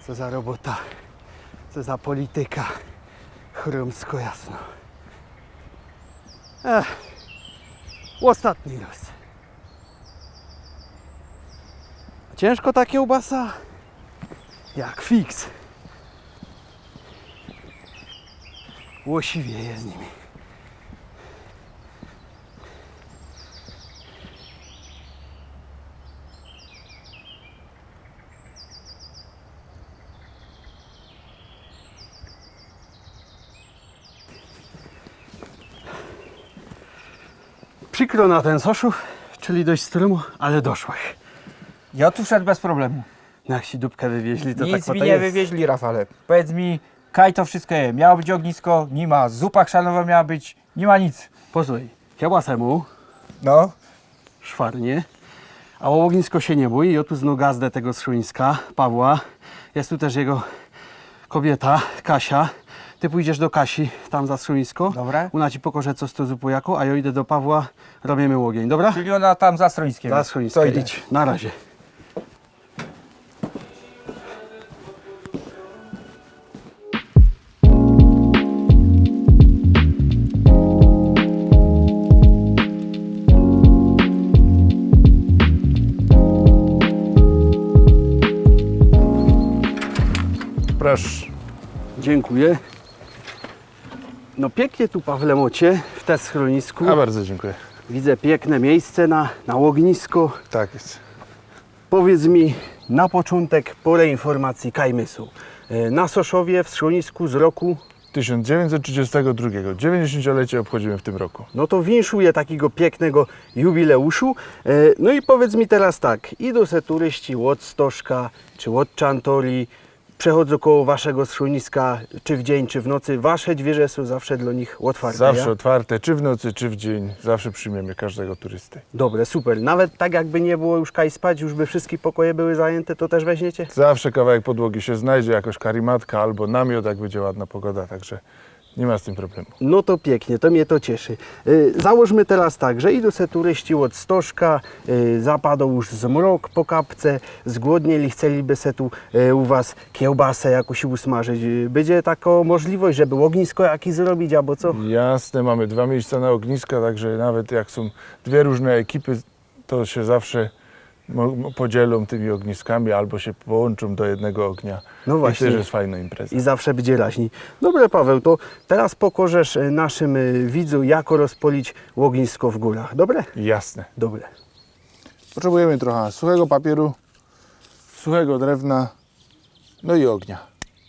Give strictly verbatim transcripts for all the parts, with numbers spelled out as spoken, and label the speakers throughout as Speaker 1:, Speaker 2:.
Speaker 1: Co za robota, co za polityka, chrumsko jasno. Ech, ostatni los. Ciężko ta kiełbasa? Jak fiks. Łosiwieje z nimi. Przykro na ten Soszów, czyli dość stromo, ale doszłych.
Speaker 2: Ja tu szedł bez problemu.
Speaker 1: No jak ci dupkę wywieźli, to
Speaker 2: Nic
Speaker 1: tak
Speaker 2: mi
Speaker 1: to
Speaker 2: nie
Speaker 1: jest.
Speaker 2: wywieźli, Rafale. Powiedz mi, kaj to wszystko je. Miało być ognisko, nie ma. Zupa chrzanowa miała być, nie ma nic.
Speaker 1: Posłuchaj, kiełbasę mu,
Speaker 2: No,
Speaker 1: szwarnie, a o ognisko się nie bój. Ja tu znowu gazdę tego schroniska, Pawła. Jest tu też jego kobieta, Kasia. Ty pójdziesz do Kasi, tam za schronisko.
Speaker 2: Dobra.
Speaker 1: Ona ci pokaże, co z to zupu jako, a ja idę do Pawła, robimy ogień, dobra?
Speaker 2: czyli ona tam za stroniskiem.
Speaker 1: Za
Speaker 2: jest.
Speaker 1: schronisko,
Speaker 2: To idę.
Speaker 1: idź. Na razie.
Speaker 3: Proszę.
Speaker 1: Dziękuję. No pięknie tu, Pawle, mocie, w te schronisku.
Speaker 3: A bardzo dziękuję.
Speaker 1: Widzę piękne miejsce na, na ognisko.
Speaker 3: Tak jest.
Speaker 1: Powiedz mi na początek porę informacji Kajmysu. E, Na Soszowie w schronisku z roku,
Speaker 3: tysiąc dziewięćset trzydziestego drugiego. dziewięćdziesięciolecie obchodzimy w tym roku.
Speaker 1: no to winszuję takiego pięknego jubileuszu. E, No i powiedz mi teraz tak, idą se turyści od Stożka czy od Czantori, przechodzą koło waszego schroniska, czy w dzień, czy w nocy. Wasze drzwi są zawsze dla nich otwarte.
Speaker 3: Zawsze
Speaker 1: ja?
Speaker 3: otwarte, czy w nocy, czy w dzień. Zawsze przyjmiemy każdego turysty.
Speaker 1: Dobre, super. Nawet tak jakby nie było już kaj spać, już by wszystkie pokoje były zajęte, to też weźmiecie?
Speaker 3: Zawsze kawałek podłogi się znajdzie, jakoś karimatka albo namiot, jak będzie ładna pogoda, także nie ma z tym problemu.
Speaker 1: No to pięknie, to mnie to cieszy. Y, Załóżmy teraz tak, że idą se turyści od Stożka, y, zapadł już zmrok po kapce, zgłodnieli, chcieliby se tu y, u was kiełbasę jakąś usmażyć. Y, Będzie taka możliwość, żeby ognisko jakieś zrobić, albo co?
Speaker 3: Jasne, mamy dwa miejsca na ogniska, także nawet jak są dwie różne ekipy, to się zawsze mo- podzielą tymi ogniskami albo się połączą do jednego ognia.
Speaker 1: No właśnie.
Speaker 3: I też jest fajna impreza.
Speaker 1: I zawsze będzie raźniej. Dobra, Paweł, to teraz pokorzesz y, naszym y, widzom, jak rozpolić ognisko w górach. Dobre?
Speaker 3: Jasne.
Speaker 1: Dobre.
Speaker 3: Potrzebujemy trochę suchego papieru, suchego drewna, no i ognia.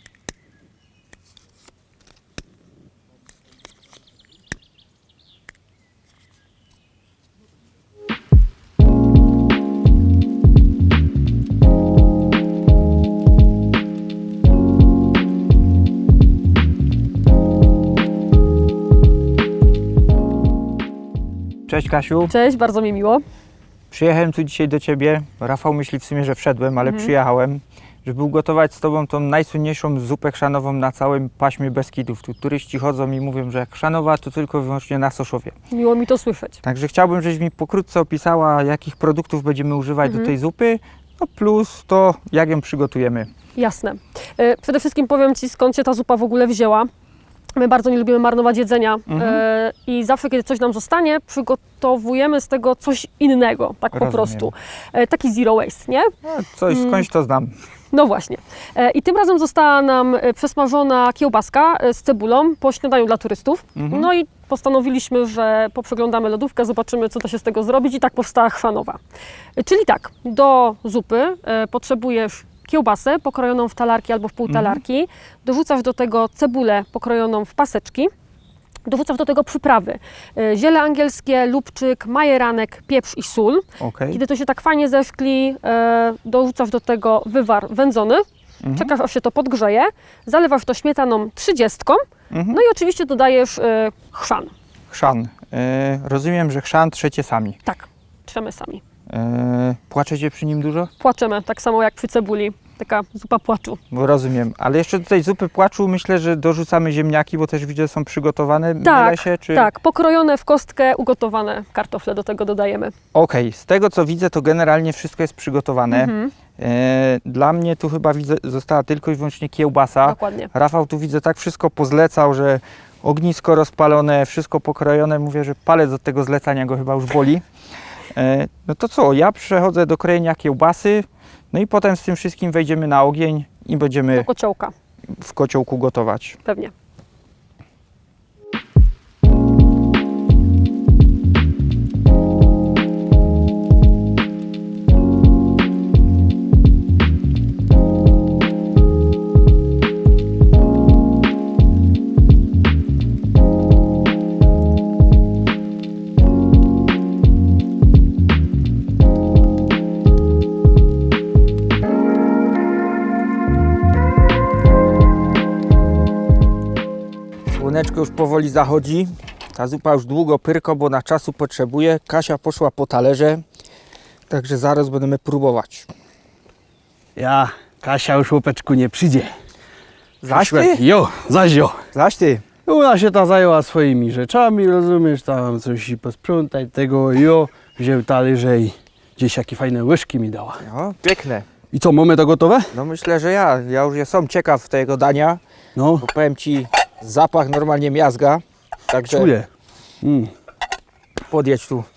Speaker 2: Cześć Kasiu,
Speaker 4: Cześć, bardzo mi miło.
Speaker 2: przyjechałem tu dzisiaj do Ciebie. Rafał myśli w sumie, że wszedłem, ale przyjechałem, żeby ugotować z Tobą tą najsłynniejszą zupę chrzanową na całym paśmie Beskidów. Tu turyści chodzą i mówią, że chrzanowa to tylko i wyłącznie na Soszowie.
Speaker 4: Miło mi to słyszeć.
Speaker 2: Także chciałbym, żebyś mi pokrótce opisała, jakich produktów będziemy używać do tej zupy, no plus to, jak ją przygotujemy.
Speaker 4: Jasne. E, Przede wszystkim powiem Ci, skąd się ta zupa w ogóle wzięła. My bardzo nie lubimy marnować jedzenia e, i zawsze, kiedy coś nam zostanie, przygotowujemy z tego coś innego, tak po
Speaker 2: Rozumiem.
Speaker 4: prostu. E, taki zero waste, nie?
Speaker 2: No, coś, skądś to znam.
Speaker 4: No właśnie. E, I tym razem została nam e, przesmażona kiełbaska e, z cebulą po śniadaniu dla turystów. No i postanowiliśmy, że poprzeglądamy lodówkę, zobaczymy, co da się z tego zrobić i tak powstała chrzanowa. E, Czyli tak, do zupy e, potrzebujesz kiełbasę pokrojoną w talarki albo w półtalarki, dorzucasz do tego cebulę pokrojoną w paseczki, dorzucasz do tego przyprawy, e, ziele angielskie, lubczyk, majeranek, pieprz i sól.
Speaker 2: Okej.
Speaker 4: Kiedy to się tak fajnie zeszkli, e, dorzucasz do tego wywar wędzony, czekasz aż się to podgrzeje, zalewasz to śmietaną trzydziestką, no i oczywiście dodajesz e, chrzan.
Speaker 2: Chrzan. E, rozumiem, że chrzan trzecie sami.
Speaker 4: Tak, trzemy sami.
Speaker 2: E, płaczecie przy nim dużo?
Speaker 4: Płaczemy, tak samo jak przy cebuli. taka zupa płaczu.
Speaker 2: Bo rozumiem, ale jeszcze do tej zupy płaczu myślę, że dorzucamy ziemniaki, bo też widzę, że są przygotowane. Mylę
Speaker 4: Tak,
Speaker 2: się, czy...
Speaker 4: tak, pokrojone w kostkę, ugotowane kartofle do tego dodajemy.
Speaker 2: Okej, z tego co widzę, to generalnie wszystko jest przygotowane.
Speaker 4: Mhm,
Speaker 2: E, dla mnie tu chyba widzę, została tylko i wyłącznie kiełbasa.
Speaker 4: dokładnie.
Speaker 2: Rafał tu widzę tak wszystko pozlecał, że ognisko rozpalone, wszystko pokrojone. Mówię, że palec od tego zlecania go chyba już boli. E, no to co, ja przechodzę do krojenia kiełbasy, no i potem z tym wszystkim wejdziemy na ogień i będziemy
Speaker 4: Do kociołka,
Speaker 2: w kociołku gotować.
Speaker 4: pewnie.
Speaker 2: Słoneczko już powoli zachodzi. Ta zupa już długo pyrko, bo na czasu potrzebuje. Kasia poszła po talerze, także zaraz będziemy próbować.
Speaker 1: Ja, Kasia już łopeczku nie przyjdzie.
Speaker 2: Zaś ty?
Speaker 1: Jo, zaś jo.
Speaker 2: Zaś ty.
Speaker 1: Ona się ta zajęła swoimi rzeczami, rozumiesz, tam coś i posprzątać tego, jo, wziął talerze i gdzieś jakie fajne łyżki mi dała.
Speaker 2: No, piękne.
Speaker 1: I co, mamy to gotowe?
Speaker 2: No myślę, że ja. Ja już jestem ciekaw tego dania,
Speaker 1: No,
Speaker 2: bo powiem Ci, zapach normalnie miazga. Także
Speaker 1: czuję. Mm.
Speaker 2: podjedź tu.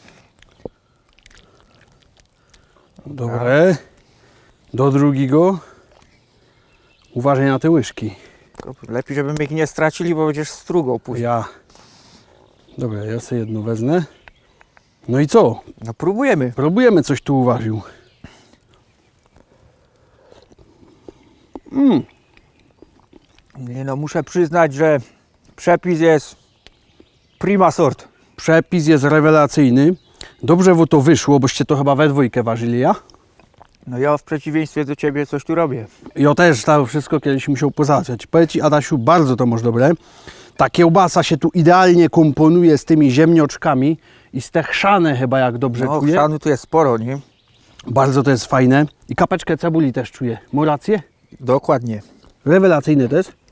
Speaker 1: Dobre. Do drugiego. Uważaj na te łyżki.
Speaker 2: Lepiej, żebyśmy ich nie stracili, bo będziesz strugą później.
Speaker 1: Ja. Dobra, ja sobie jedno wezmę. No i co?
Speaker 2: No próbujemy.
Speaker 1: Próbujemy, coś tu uważył. Mm.
Speaker 2: Nie no, muszę przyznać, że przepis jest prima sort.
Speaker 1: Przepis jest rewelacyjny. Dobrze wo to wyszło, boście to chyba we dwójkę ważyli, ja?
Speaker 2: No ja w przeciwieństwie do Ciebie coś tu robię.
Speaker 1: Ja też to wszystko kiedyś musiał pozałatwiać. Powiem Ci, Adasiu, bardzo to masz dobre. Ta kiełbasa się tu idealnie komponuje z tymi ziemnioczkami i z te chrzane chyba, jak dobrze
Speaker 2: No,
Speaker 1: czuję.
Speaker 2: chrzanu tu jest sporo, nie?
Speaker 1: Bardzo to jest fajne. I kapeczkę cebuli też czuję. Mam rację?
Speaker 2: Dokładnie.
Speaker 1: Rewelacyjny to jest.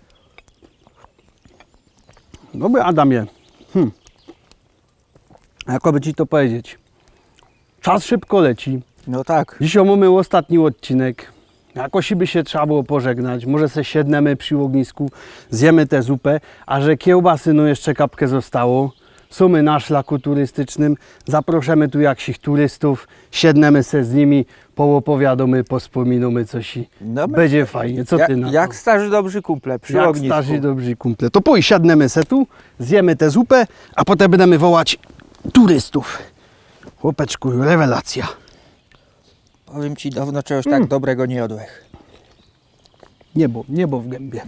Speaker 1: Dobry Adamie. Hm. Jakoby Ci to powiedzieć. Czas szybko leci.
Speaker 2: No tak.
Speaker 1: Dzisiaj mamy ostatni odcinek. Jakoś by się trzeba było pożegnać. Może se siednemy przy ognisku, zjemy tę zupę, a że kiełbasy no jeszcze kapkę zostało. Sumy na szlaku turystycznym. Zaproszamy tu jakichś turystów, siednemy se z nimi, poopowiadamy, pospominamy coś i
Speaker 2: No, my-
Speaker 1: będzie fajnie. Co
Speaker 2: Ja,
Speaker 1: ty na
Speaker 2: jak
Speaker 1: to?
Speaker 2: starzy dobrzy kumple przy
Speaker 1: Jak
Speaker 2: ognisku.
Speaker 1: starzy dobrzy kumple. To pójdź, siadnemy se tu, zjemy tę zupę, a potem będziemy wołać turystów. Chłopeczku, rewelacja.
Speaker 2: Powiem Ci, dawno czegoś
Speaker 1: Mm.
Speaker 2: tak dobrego nie jadłeś.
Speaker 1: Niebo, niebo w gębie.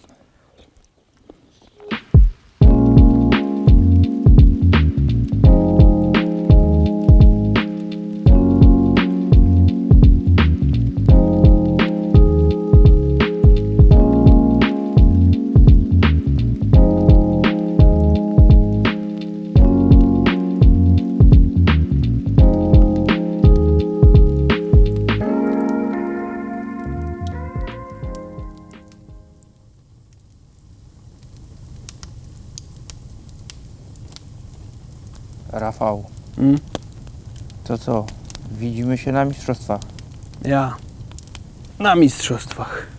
Speaker 2: Rafał,
Speaker 1: Mm?
Speaker 2: to co? Widzimy się na mistrzostwach.
Speaker 1: Ja na mistrzostwach.